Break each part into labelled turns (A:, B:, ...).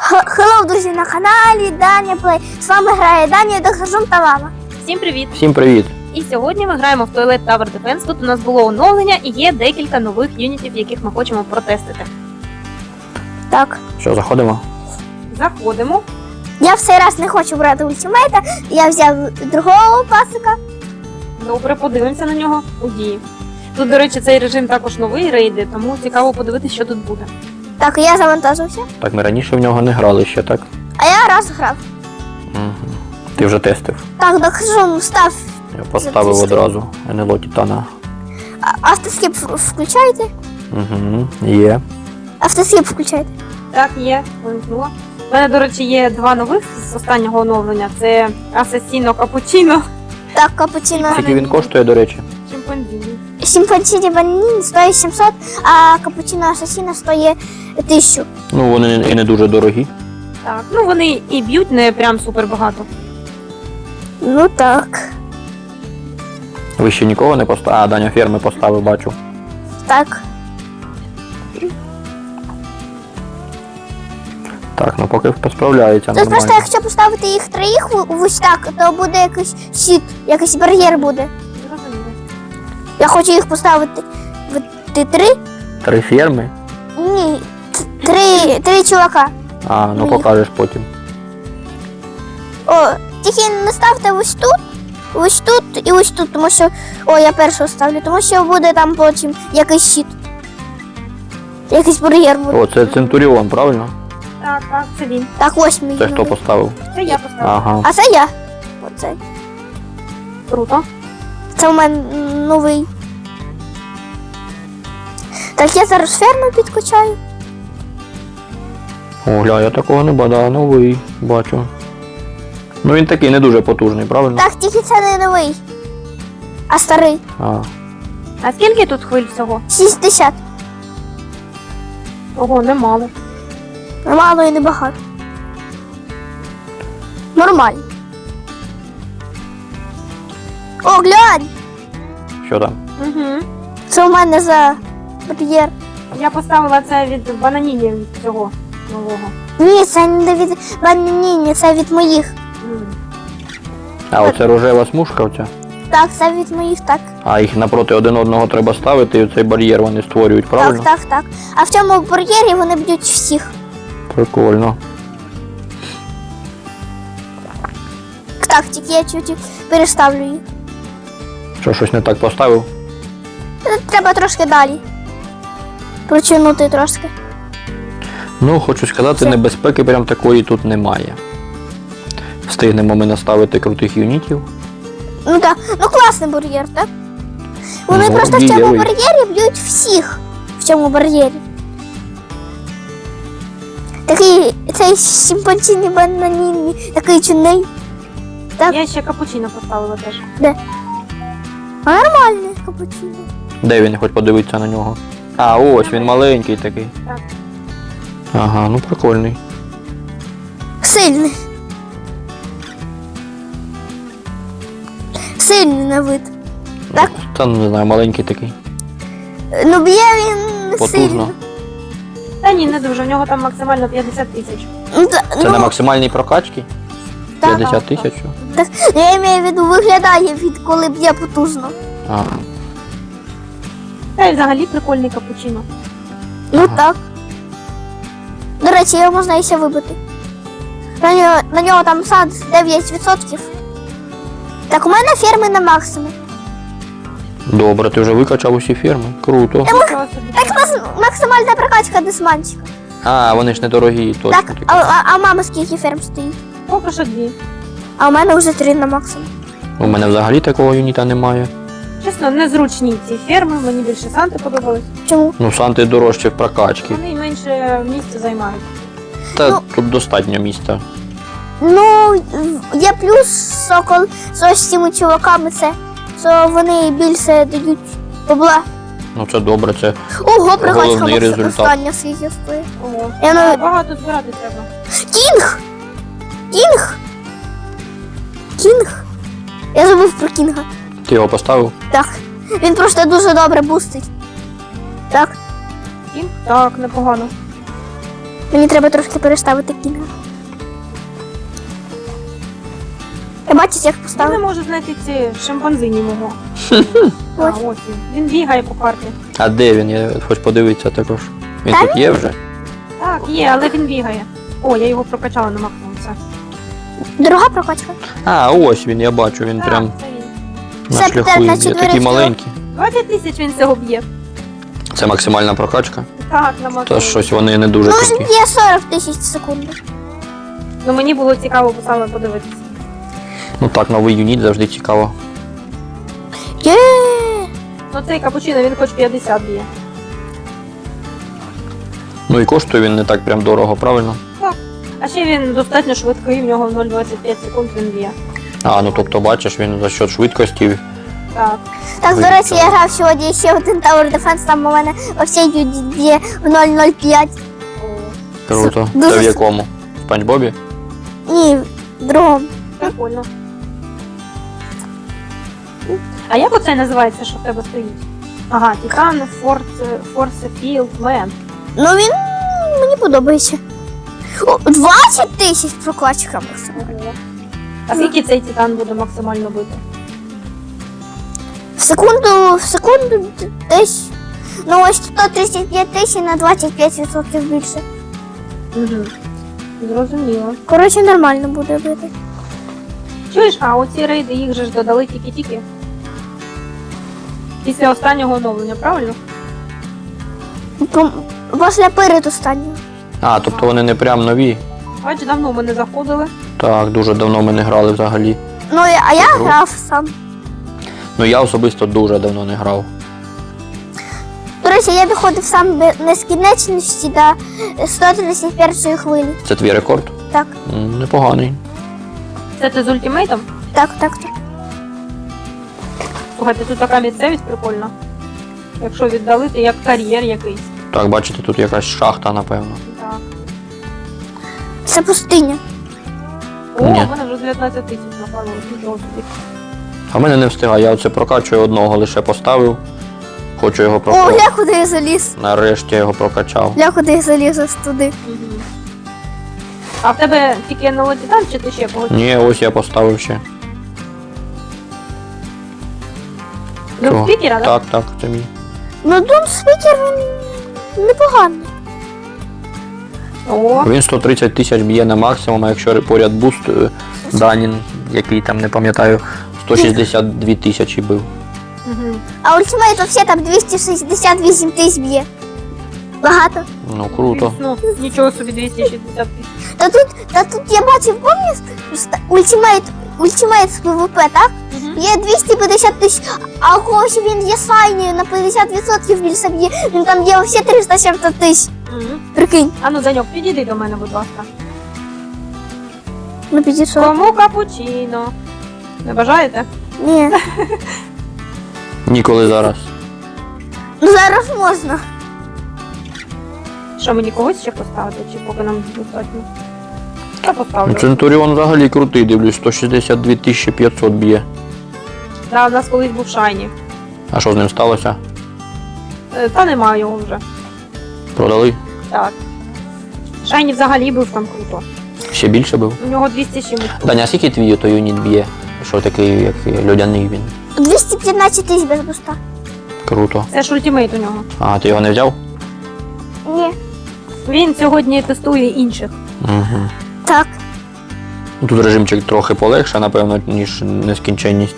A: Хеллоу, друзі, на каналі Даня Плей. З вами грає Даня, Доктор Жум та мама.
B: Всім привіт!
C: Всім привіт!
B: І сьогодні ми граємо в Toilet Tower Defense. Тут у нас було оновлення і є декілька нових юнітів, яких ми хочемо протестити.
A: Так.
C: Що, заходимо?
B: Заходимо.
A: Я в цей раз не хочу брати ультимейта. Я взяв другого пасика.
B: Добре, подивимося на нього у дії. Тут, до речі, цей режим також новий, рейди, тому цікаво подивитися, що тут буде.
A: Так, я завантажився.
C: Так, ми раніше в нього не грали ще, так?
A: А я раз грав.
C: Угу. Ти вже тестив.
A: Так, Доктор Жум, став.
C: Я поставив одразу НЛО Титана.
A: Автоскіп включайте.
C: Угу. Є.
A: Автоскіп включайте.
B: Так, є, вимкнула. У мене, до речі, є два нових з останнього оновлення. Це Асасіно Капучино.
A: Так, капучино.
C: Скільки він коштує, до речі?
B: Чимпанзіні.
A: Симпатії бананін стоїть 700, а капучино асасіна стоїть 1000.
C: Ну, вони і не дуже дорогі.
B: Так, ну вони і б'ють не прям супер багато.
A: Ну так.
C: Ви ще нікого не поставили? А, Даня ферми поставив, бачу.
A: Так.
C: Так, ну поки справляється
A: Тут просто
C: нормально.
A: якщо поставити їх троїх ось так, то буде якийсь щит, якийсь бар'єр буде.
B: Зрозуміло.
A: Я хочу їх поставити в три?
C: 3 ферми?
A: Ні, три чувака.
C: А, ну
A: Мені.
C: покажеш потім.
A: О, тільки не ставте ось тут і ось тут, тому що... О, я першого ставлю, тому що буде там потім якийсь щит. Якийсь бар'єр буде.
C: О, це Центуріон, правильно?
B: Так, так, це він.
A: Так, ось мій.
C: Це хто
A: новий.
C: поставив?
B: Це я поставила.
C: Ага.
A: А це я. Оцей.
B: Круто.
A: Це у мене новий. Так, я зараз ферму підкачаю.
C: О, гля, я такого не бачу, новий, бачу. Ну він такий не дуже потужний, правильно?
A: Так, тільки це не новий, а старий.
C: А,
B: А скільки тут хвиль всього?
A: 60.
B: Ого, немало.
A: Мало і небагато. Нормально. О, глянь!
C: що там?
B: Угу.
A: Це у мене за бар'єр.
B: Я поставила це від бананінів цього нового.
A: Ні, це не від бананіні, це від моїх.
C: А, оце рожева смужка оця?
A: Так, це від моїх, так.
C: А їх напроти один одного треба ставити, і цей бар'єр вони створюють, правильно?
A: Так, так, так. А в цьому бар'єрі вони б'ють всіх.
C: Прикольно.
A: Так, тільки я чуть переставлю їх.
C: Що, щось не так поставив?
A: Треба трошки далі. Прочинути трошки.
C: Ну, хочу сказати,
A: Все.
C: небезпеки прям такої тут немає. Встигнемо ми наставити крутих юнітів.
A: Ну так, ну класний бар'єр, так? Вони
C: Ну,
A: просто в цьому
C: дієвий.
A: бар'єрі б'ють всіх в цьому бар'єрі. Такий цей симпатійний бананінний, такий чудний. Так.
B: Я ще капучино поставила теж.
A: А нормальний капучино.
C: Де він, хоч подивитися на нього? А, ось він маленький такий.
B: Так.
C: Ага, ну прикольний.
A: Сильний. Сильний на вид. Так.
C: Та ну, не знаю, маленький такий.
A: Ну б'є він
C: Потужно.
A: сильно.
B: Та ні, не дуже, в нього там максимально 50 тисяч.
A: Ну,
C: Це на максимальній прокачці?
A: так,
C: 50 тисяч?
A: так, я маю в виду, виглядає від коли б'є потужно.
C: А,
B: Та й взагалі прикольний капучино.
A: Ну
C: Ага.
A: так. До речі, його можна і ще вибити. На нього там сад 9%. Так, у мене ферми на максимум.
C: добре, ти вже викачав усі ферми. Круто.
B: Нічого собі.
A: Так, максимальна прокачка десманчика.
C: А, вони ж не дорогі, точно
A: Так,
C: такі.
A: а мама скільки ферм стоїть?
B: Поки що дві.
A: А у мене вже 3 на максимум.
C: У мене взагалі такого юніта немає.
B: Чесно, незручні ці ферми, мені більше санти подобались.
A: Чому?
C: Ну, санти дорожче в прокачці.
B: Вони менше місця займають.
C: Та
A: Ну.
C: тут достатньо місця.
A: Ну, є плюс, що з ось цими чуваками це, що вони більше дають бабла.
C: Ну це добре, це
A: Ого, прокачка
C: Головний результат.
A: остання скільки стоїть.
B: Ого.
A: Я на-
B: Багато збирати треба.
A: Кінг! Кінг! Кінг! Я забув про Кінга.
C: ти його поставив?
A: Так. Він просто дуже добре бустить. Так.
B: Кінг? Так, непогано.
A: Мені треба трошки переставити кінга. Я бачиш, як
B: Я не
A: поставив?
B: можу знайти ці шимпанзині мого. А,
A: Ось.
B: ось він. Він бігає по карті.
C: А де він? Я хоч подивитися також. Він
A: Та
C: тут є вже?
B: Так, є, але він бігає. О, я його прокачала на максимум. Все.
A: Друга прокачка.
C: А, ось він, я бачу, він
B: Так,
C: прям
B: це він.
C: на
A: Це
C: шляху
A: на
C: йде.
A: четвертий
C: Такий маленький.
B: 20 тисяч він цього б'є.
C: Це максимальна прокачка.
B: Так, на максимум.
C: То щось вони не дуже
A: Ну,
C: круті.
A: є 40 тисяч в секунду.
B: Ну мені було цікаво саме подивитися.
C: Ну так, новий юніт завжди цікаво.
A: Є.
B: Ну цей капучино, він хоч 50 б'є.
C: Ну і коштує він не так прям дорого, правильно?
B: А ще він достатньо швидкий, в нього 0,25 секунд він б'є.
C: А, ну тобто бачиш, він за счет швидкості.
B: Так.
A: Так, до
C: Вийде
A: речі, я
C: цього.
A: грав сьогодні ще один Tower Defense, там у мене оцей юніт є в 0,05.
C: Круто.
A: Дуже
C: Це в якому? В Спанч Бобі?
A: Ні, в другому.
B: Прикольно. А як оце називається, що в тебе стоїть? Ага, Титан Force Field Man.
A: Ну він мені подобається. О, 20 тисяч прокачка максимум.
B: А скільки цей Титан буде максимально бити?
A: В секунду десь. Ну ось 135 тисяч на 25% більше.
B: Угу. Зрозуміло.
A: Коротше, нормально буде бити.
B: Чуєш, а оці рейди їх же ж додали тільки-тільки. Після останнього оновлення, правильно?
A: Після перед останнього.
C: А, тобто вони не прям нові.
B: Бач, давно ми не заходили.
C: Так, дуже давно ми не грали взагалі.
A: Ну, а я
C: Круто.
A: грав сам.
C: Ну я особисто дуже давно не грав.
A: До речі, я доходив сам до нескінченності до 131 хвилі.
C: Це твій рекорд?
A: Так,
C: Непоганий.
B: Це ти з ультимейтом?
A: так.
B: Слухайте, тут така місцевість прикольна. Якщо віддалити, як кар'єр якийсь.
C: Так, бачите, тут якась шахта, напевно.
B: Так.
A: Це пустиня.
B: О,
C: Ні.
B: у мене вже 19 тисяч напалилось, нічого собі.
C: А в мене не встигає, я оце прокачую одного, лише поставив. Хочу його
A: О,
C: прокачати.
A: гля, куди я заліз.
C: Нарешті я його прокачав.
A: Гля, куди я заліз ось туди.
B: Угу. А в тебе тільки НЛО Титан, чи ти ще когось?
C: Ні, ось я поставив ще. Чого?
B: Спікера, так?
C: Так, це мій.
A: Ну, Doom Speaker, він непоганий.
B: О,
C: Він 130 тисяч б'є на максимум, а якщо поряд буст Данін, який там не пам'ятаю, 162 тисячі бив.
B: угу.
A: А ультимейт взагалі там 268 тисяч б'є. Багато.
C: Ну круто.
B: Ну, нічого собі 260 тисяч.
A: Та тут я бачив, пам'ятаєш, ультимейт з ПВП, так? Є 250 тисяч, а у когось він є сайні на 50% більше б'є. Він там є всі 370 тисяч.
B: Угу.
A: Прикинь,
B: А ну, Даньок, підійди до мене, будь ласка.
A: ну підійшов.
B: Кому капучино? Не бажаєте?
A: Ні.
C: Ніколи зараз.
A: Ну зараз можна.
B: Що, мені когось ще поставити, чи поки нам достатньо? Я поставлю.
C: Центуріон взагалі крутий, дивлюсь, 162 500 б'є.
B: Да, у нас колись був Шайні.
C: А що з ним сталося?
B: Та немає його вже.
C: Продали?
B: Так. Шайні взагалі був там круто.
C: Ще більше бив?
B: У нього 200 чимось.
C: Даня, а скільки твій той юніт б'є? Що такий, як льодяний він?
A: 215 тисяч без буста.
C: Круто.
B: Це ж ультимейт у нього.
C: А, ти його не взяв?
A: Ні.
B: Він сьогодні тестує інших.
C: Угу.
A: Так.
C: Ну, тут режимчик трохи полегше, напевно, ніж нескінченність.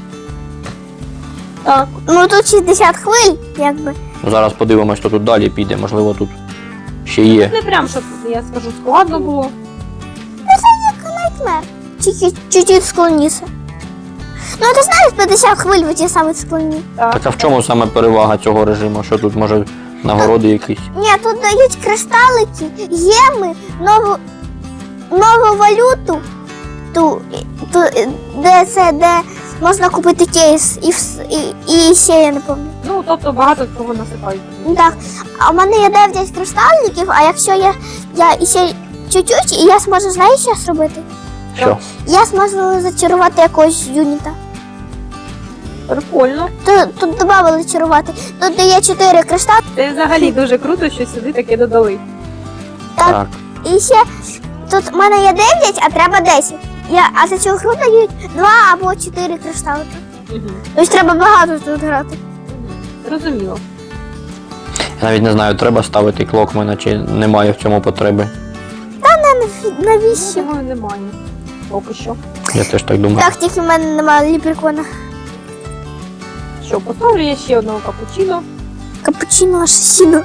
B: Так.
A: Ну тут 60 хвиль, якби.
C: Ну, зараз подивимось, що тут далі піде, можливо, тут ще є.
B: Не прям, щоб, я скажу, складно було.
A: Найтмер. Тільки чуть-чуть склонився. Ну ти знаєш, 50 хвиль в ті самі склоні.
C: Так а в чому саме перевага цього режиму? Що тут, може, нагороди якісь?
A: Ні, тут дають кристалики, єми, нову валюту, де можна купити кейс і ще я не пам'ятаю.
B: Ну, тобто багато цього насипають.
A: Так, а в мене є 9 кристаликів, а якщо я іще чуть-чуть, і я зможу, знаєш, що зробити?
C: Що?
A: Я зможу зачарувати якогось юніта.
B: Прикольно.
A: Тут додали чарувати. Тут дає 4 кристали.
B: Це взагалі дуже круто, що сюди таке додали.
C: Так.
A: І ще тут в мене є 9, а треба 10. А за цю гру дають 2 або 4 кришталики.
B: Угу.
A: Тобто треба багато тут грати.
B: Зрозуміло.
C: Я навіть не знаю, треба ставити клокмена чи немає в цьому потреби.
A: Навіщо?
B: Думаю, немає. Поки що.
C: Я теж так думаю.
A: Так, тільки в мене немає ліприкона.
B: Що, поставлю я ще одного капучино.
A: Капучино асасіно.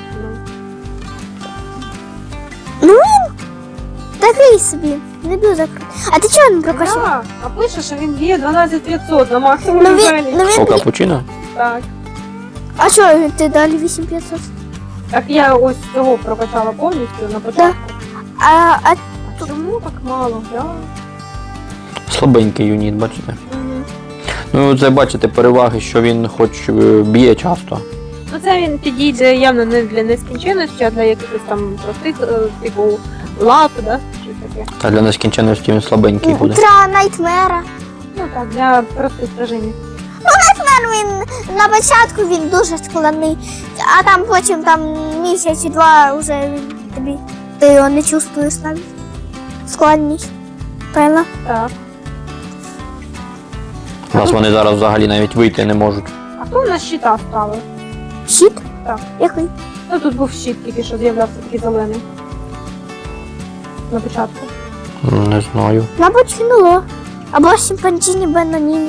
B: Ну,
A: Ну він такий собі, не дуже крутий. А ти чого не прокачав?
B: да, а пише, що він б'є 12500 на максимум
A: Ну
B: левелі.
A: він,
C: О, капучино?
B: Так.
A: А що ти далі 8500?
B: Так я ось цього прокачала повністю на початку.
A: А
B: А чому так мало? Да?
C: Слабенький юніт, бачите?
B: Угу.
C: Ну, це бачите переваги, що він хоч б'є часто.
B: Ну це він підійде явно не для нескінченності, а для якихось там простих, типу лап, да? Щось таке.
C: Та для нескінченності він слабенький буде.
A: Утра Найтмера.
B: Ну так, для простих режимів.
A: Він на початку він дуже складний, а там потім там місяць і два вже він тобі ти його не чувствуєш навіть. Складність. Певно.
B: Так.
C: У нас вони зараз взагалі навіть вийти не можуть.
B: А хто у нас щита ставив?
A: Щит?
B: Так.
A: Який?
B: Ну тут був щит, тільки що з'являвся такий зелений. На початку.
C: Не знаю.
A: Мабуть, кінуло. Або Сімпанчині Бенаніні.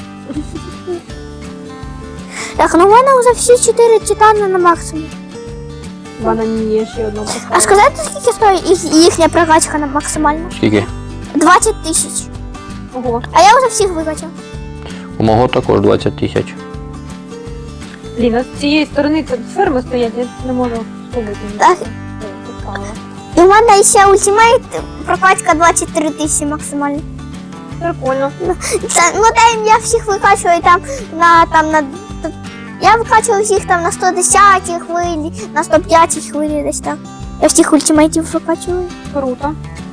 A: Так, ну в мене вже всі 4 титани на максимум.
B: Вона не є ще одного
A: А
B: поставила.
A: сказати, скільки стоїть їхня прокачка на максимальну?
C: Скільки?
A: 20 тисяч.
B: Ого.
A: А я вже всіх викачав.
C: У мого також 20 тисяч.
B: Блін, а з цієї сторони це ферми стоять, я не можу спробувати.
A: Так. І в мене ще ультимейт прокачка 23 тисячі максимально.
B: Прикольно.
A: Ну там я всіх викачую там на я викачую всіх там на 110 хвилі, на 105 хвилі десь так. Я всіх ультимейтів викачую.
B: Круто.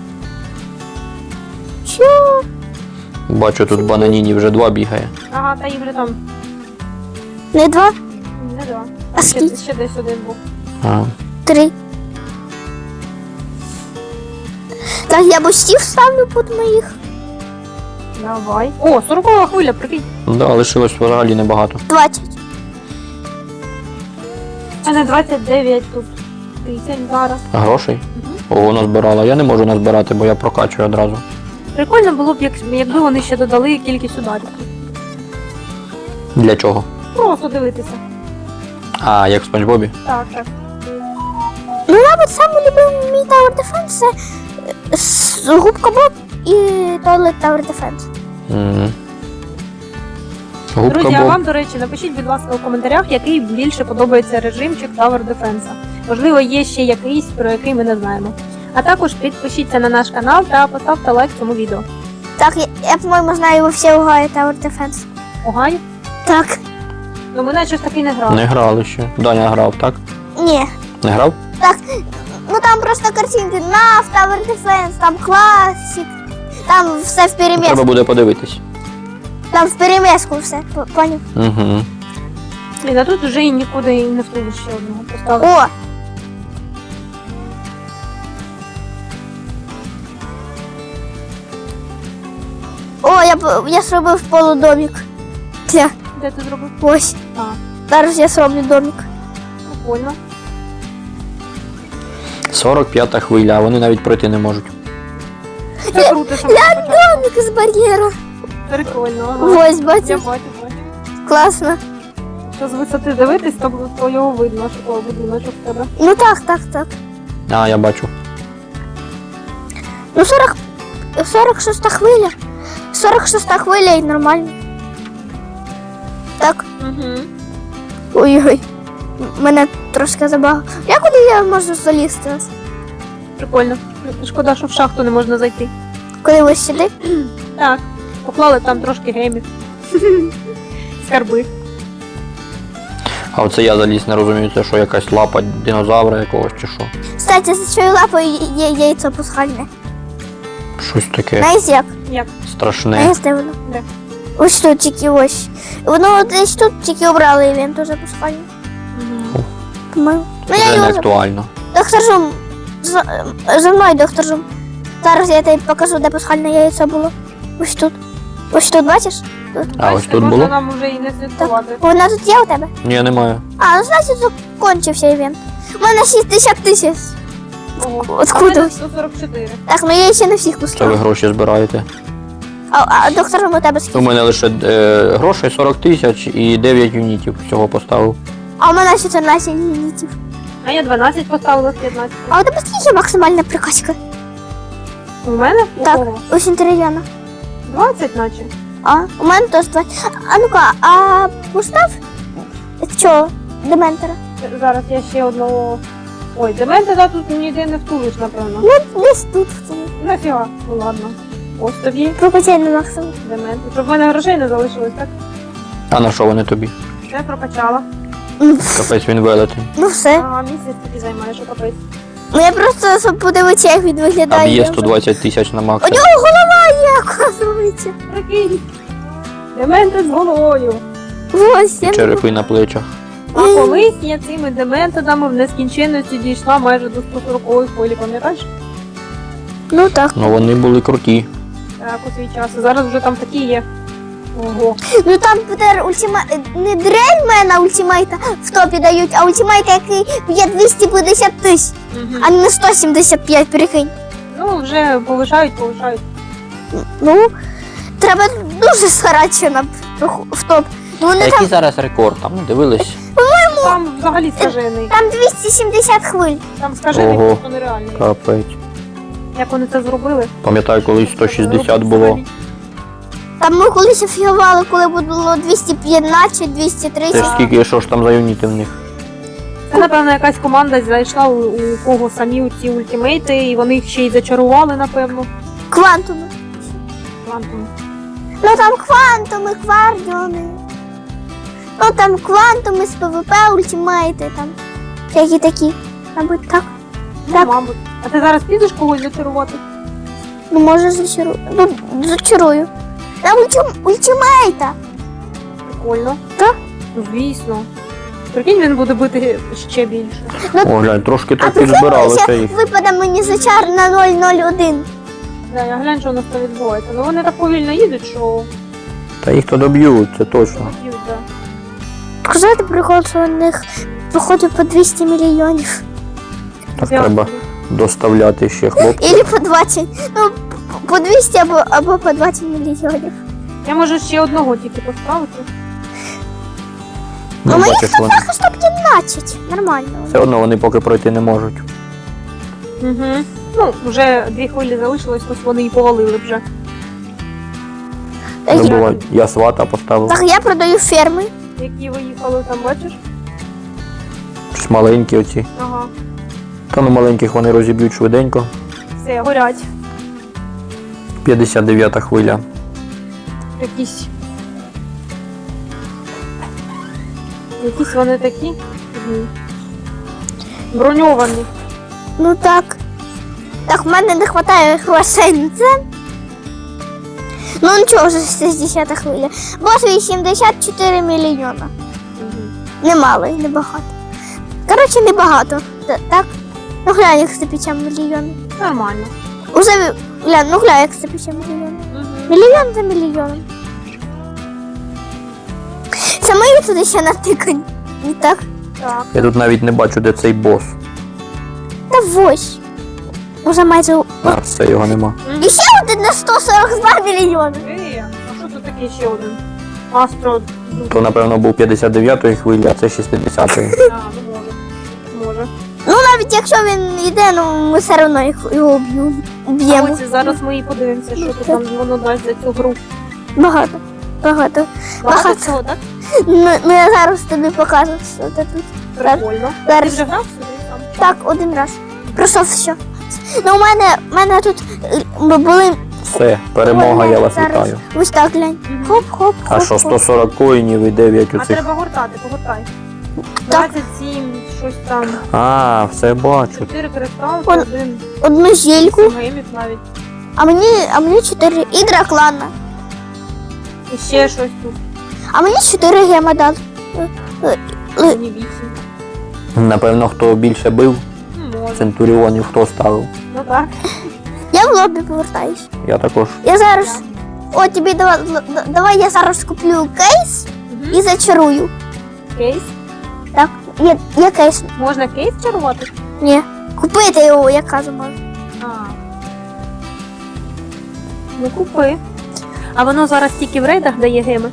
A: Що?
C: Бачу, тут бананіні вже 2 бігає.
B: Ага, та їх вже там
A: Не 2,
B: не два.
A: А
B: Ще,
A: скільки?
B: ще десь один був.
C: А.
A: 3. Так, я бустів ставлю під моїх.
B: Давай. О, 40-ва хвиля, прикинь.
C: Да, лишилось взагалі небагато.
A: 20.
B: А не 29 тут. Тисяч зараз.
C: А грошей? Ого, назбирала. Я не можу назбирати, бо я прокачую одразу.
B: Прикольно було б, якби вони ще додали кількість ударів.
C: Для чого?
B: Просто дивитися.
C: А, як в Спанч Бобі?
B: Так, так.
A: Ну, мабуть, самий любимий мій Tower Defense це губка Боб і Toilet Tower Defense.
C: Угу. Губка
B: Друзі, а
C: Боб.
B: вам, до речі, напишіть, будь ласка, у коментарях, який більше подобається режимчик Tower Defense. Можливо, є ще якийсь, про який ми не знаємо. А також підпишіться на наш канал та поставте лайк цьому відео.
A: Так, я по-моєму, знаю, ви всі угаєте Tower Defense.
B: Огай?
A: Так.
B: Ну ми наче таки не грали.
C: Не грали ще. Даня грав, так?
A: Ні.
C: Не грав?
A: Ну там просто картинки NAF, Tower Defense, там Classic, там все в
C: Треба
A: переміску.
C: буде подивитись.
A: Там в переміску все, поняв?
C: Угу.
B: Блін, а тут вже і нікуди і не встигли ще одного поставити.
A: О! О, я зробив полудомик. Тя,
B: Де ти зробив?
A: ось.
B: А,
A: Зараз я зроблю домик.
B: прикольно.
C: 45-та хвиля, а вони навіть пройти не можуть.
B: Це круто, що ми почали.
A: Домик з бар'єра.
B: Прикольно, ага.
A: Ось,
B: Я
A: бачиш,
B: бачу.
A: класно.
B: Що з висоти дивитись, то його видно, що того будиночок в тебе.
A: Ну так.
C: А, я бачу.
A: Ну 46 хвиля. 46 хвиля і нормально. Так.
B: Угу.
A: Ой-ой. Мене трошки забагало. Я куди я можу залізти?
B: Прикольно. Шкода, що в шахту не можна зайти.
A: Коли ви сюди?
B: Так, поклали там трошки гемів. Скарби.
C: А оце я заліз, не розумію, це що якась лапа динозавра якогось чи що.
A: Кстати, за цією лапою є яйцо пасхальне.
C: Щось таке
A: Знаєш як?
B: Як?
C: страшне.
A: Знаєш, де воно?
B: Де?
A: Ось тут тільки ось. Воно десь тут тільки обрали івент уже пасхальне.
B: Угу.
A: По-моєму. Ну
C: Вже
A: я
C: не
A: його
C: актуально.
A: так скажу, За мною, доктор Жум. Зараз я тобі покажу, де пасхальне яйцо було. Ось тут. Ось тут, бачиш? Тут.
C: А ось
B: Бачите,
C: тут
B: можна
C: було?
B: нам вже і не слідкувати.
A: Вона тут є у тебе?
C: Ні, немає.
A: А, ну значить закінчився івент. У мене 60 тисяч.
B: Ого.
A: Откуда?
B: А в мене 144.
A: Так, ну я ще не всіх
C: Це ви
A: пустила.
C: гроші збираєте.
A: А доктор Жум у тебе
C: У
A: скільки?
C: мене лише грошей 40 тисяч і 9 юнітів всього поставив.
A: А у мене 14 юнітів.
B: А я 12 поставила з 15.
A: А у тебе скільки максимальна прикачка?
B: У мене? У
A: Так.
B: кого?
A: У Сінтеріана.
B: 20 наче.
A: А, у мене теж 20. А ну-ка, а постав цього дементора.
B: Зараз я ще одного... Ой, дементора тут ніде не втулиш, напевно.
A: Ну, десь тут в цьому.
B: Нафіга. Ну ладно. Ось тобі
A: Прокачай на максимум.
B: демент. Щоб в мене грошей не залишилось, так?
C: А на що вони тобі?
B: Все прокачала.
C: Капець він велетень.
A: Ну все.
B: Ага, місяць тобі займає, що капець.
A: Ну я просто щоб подивитися, як він
C: А
A: виглядає.
C: б'є
A: я вже-
C: 120 тисяч на
A: У
C: максимум.
A: нього голова є, оказується.
B: Прикинь. Дементи з головою.
A: Ось,
C: І
A: я
C: черепи на плечах.
B: А колись я цими дементодами в нескінченності дійшла майже до 140-ї хвилі, пам'ятаєш?
A: Ну так.
C: Ну вони були круті.
B: Так, у свій час. А зараз вже там такі є. Ого.
A: Ну там тепер не дрельмена ультимейта в топі дають, а ультимейт, який б'є 250 тисяч, а не 175, прикинь.
B: Ну, вже повишають.
A: Ну, треба дуже старатися в топ. Ну
C: А
A: вони
C: який
A: там,
C: зараз рекорд? Там не дивились?
B: Там взагалі скажений.
A: там 270 хвиль.
B: Там скажений
C: Ого.
B: просто нереальний.
C: Капець.
B: Як вони це зробили?
C: Пам'ятаю, колись 160 було.
A: Там ми колись офігували, коли було 215,
C: Це
A: 230.
C: ж скільки, що ж там за юніти в них?
B: Це, напевно, якась команда зайшла у кого самі ці ультимейти, і вони їх ще й зачарували, напевно.
A: Квантуми.
B: Квантом.
A: Ну там квантуми, квардіони. Ну там квантуми з ПВП, ультимейти там. Всякі такі. Мабуть, так.
B: Ну,
A: Так.
B: мабуть. А ти зараз підеш когось зачарувати?
A: Ну може зачарую. Ну, зачарую. На ультимейта.
B: Прикольно.
A: Так.
B: Ну, звісно. Прикинь, він буде бити ще більше.
C: О, глянь, трошки
A: А
C: так підзбиралося
A: прикинь,
C: їх.
A: випаде мені зачар на 001.
B: Да, я глянь, що у нас там відбувається. Ну вони так повільно їдуть, що
C: Та їх то доб'ють, це точно.
B: б'ють, да.
A: Сказати прикол, що у них походу по 200 мільйонів.
C: Так треба доставляти ще хлопців.
A: Ілі по 20. Ну, по 200 або по 20 мільйонів.
B: Я можу ще одного тільки поставити.
C: Ну,
A: А моїх
C: бачиш, вони.
A: Захисту 15. Нормально.
C: Все одно вони поки пройти не можуть.
B: Угу. Ну, вже 2 хвилі залишилось, ось вони і повалили вже.
C: Ну, буває. Я свата поставив.
A: Так, я продаю ферми.
B: Які виїхали там, бачиш?
C: Щось маленькі оці.
B: Ага.
C: Та ну маленьких вони розіб'ють швиденько.
B: Все, горять.
C: 59-та хвиля.
B: Якісь. Якісь вони такі. Угу. Броньовані.
A: Ну так. Так, в мене не вистачає грошей на це. Ну нічого, вже 60 хвиля. Бос 84 мільйона.
B: Угу.
A: Немало і небагато. Коротше, небагато. Так? Ну глянь, як 150 мільйонів.
B: Нормально.
A: Уже глянь, ну глянь, як 150 мільйонів.
B: Угу.
A: Мільйон за мільйоном. Це мої туди ще натикані. І так.
B: Так.
C: Я тут навіть не бачу, де цей бос.
A: Та ось. Уже майже.
C: А, все, його нема.
A: І ще один на 142 мільйони.
B: А що тут таке ще один? Астро.
C: То, напевно, був 59-ї хвилі, а це 60-ї.
B: А, ну може. Може.
A: Ну навіть якщо він йде, ну ми все одно його б'ємо.
B: А ось зараз ми і подивимося, що тут нам воно дасть за цю гру.
A: Багато. Багато.
B: Багато
A: Багато.
B: всього, так?
A: Ну я зараз тобі покажу, що це тут.
B: Прикольно. Ти
A: Зараз.
B: вже грав сюди сам?
A: Так, один раз. Пройшов все. Ну, у мене тут були.
C: Все, перемога, я вас
A: Зараз.
C: вітаю.
A: Ось так глянь. Хоп-хоп.
C: А що, 140 коїнів і 9
B: А
C: оцих.
B: треба гортати, погортай.
A: Так.
B: 27, щось там.
C: А, все бачу.
B: 4 кристалки,
A: Он-
B: 1
A: Одну зільку,
B: гемів навіть.
A: а мені 4 і драклана.
B: І ще щось тут.
A: А мені 4 гема дали.
B: Мені 8.
C: Напевно, хто більше бив.
B: Ну, може.
C: Центуріонів хто ставив?
B: Ну так.
A: Я в лобі повертаюсь.
C: Я також.
A: Я зараз. О, тобі давай я зараз куплю кейс
B: Угу.
A: і зачарую.
B: Кейс.
A: Так, є кейс.
B: Можна кейс чарувати?
A: Ні. Купити його, я кажу, можу.
B: А. Ну купи. А воно зараз тільки в рейдах дає геми?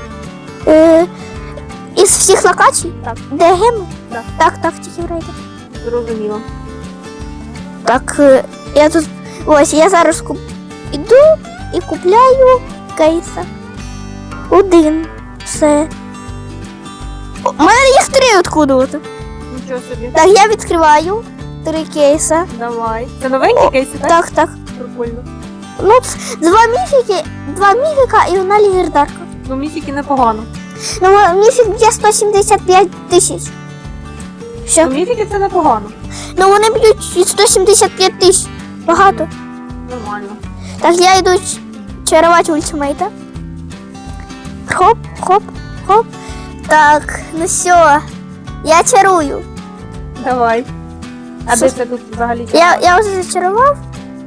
A: Із всіх локацій?
B: Так.
A: Де геми?
B: Так.
A: Так, тільки в рейдах.
B: Зрозуміло.
A: Так, я тут. Ось, я зараз іду і купляю кейса. Один. Все. У мене їх 3 откуда-то.
B: Нічого собі.
A: Так, я відкриваю 3 кейса.
B: Давай. Це новенькі кейси, так?
A: Так.
B: Прикольно.
A: Ну, 2 міфіка і 1 легендарка.
B: Ну, місіки непогано.
A: Ну, міфік б'є 175 тисяч. Все.
B: Ну, міфіки це непогано.
A: Ну, вони б'ють 175 тисяч. Багато.
B: Нормально.
A: Так, я йду чарувати ультимейта. Хоп, хоп, хоп. Так, ну все. Я чарую.
B: Давай. А де це тут взагалі?
A: Я вже зачарував.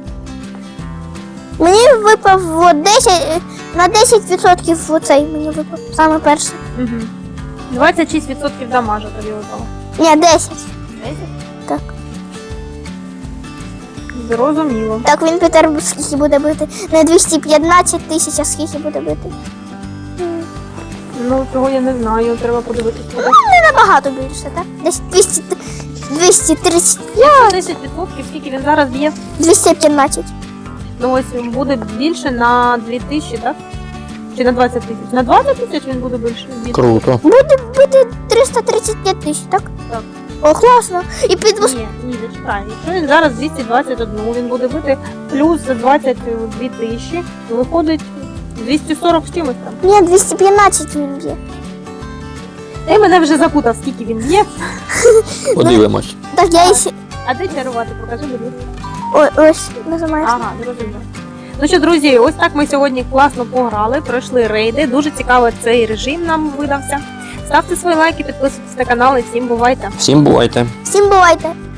A: Мені випав от 10, на 10% оцей мені випав. Саме перший.
B: Угу. 26% дамажа тобі випало.
A: Ні, 10.
B: 10?
A: Так.
B: Зрозуміло.
A: Так, він Петер скільки буде бити? Не 215 тисяч, а скільки буде бити?
B: Ну, цього я не знаю, треба подивитися.
A: Не набагато більше, так? Десь 235,
B: 10%, скільки він зараз б'є?
A: 215.
B: Ну ось буде більше на 2000, так? Чи на 20 тисяч? На 20 тисяч він буде більше бити?
C: Круто.
A: Буде бити 335 тисяч, так?
B: Так.
A: О, класно. І під
B: Ні, зачекай. Якщо він зараз 221, він буде бити плюс 22 тисячі, то виходить 240 з чимось там.
A: Ні, 215 він б'є.
B: Ти мене вже запутав, скільки він б'є.
C: Подивимось.
A: Так, я ще...
B: А де чарувати? Покажи, будь ласка.
A: Ой, ось, нажимаєш.
B: Ага, зрозуміло. Ну що, друзі, ось так ми сьогодні класно пограли, пройшли рейди. Дуже цікавий цей режим нам видався. Ставте свої лайки, підписуйтесь на канал і всім бувайте!
C: Всім бувайте.
A: Всім бувайте.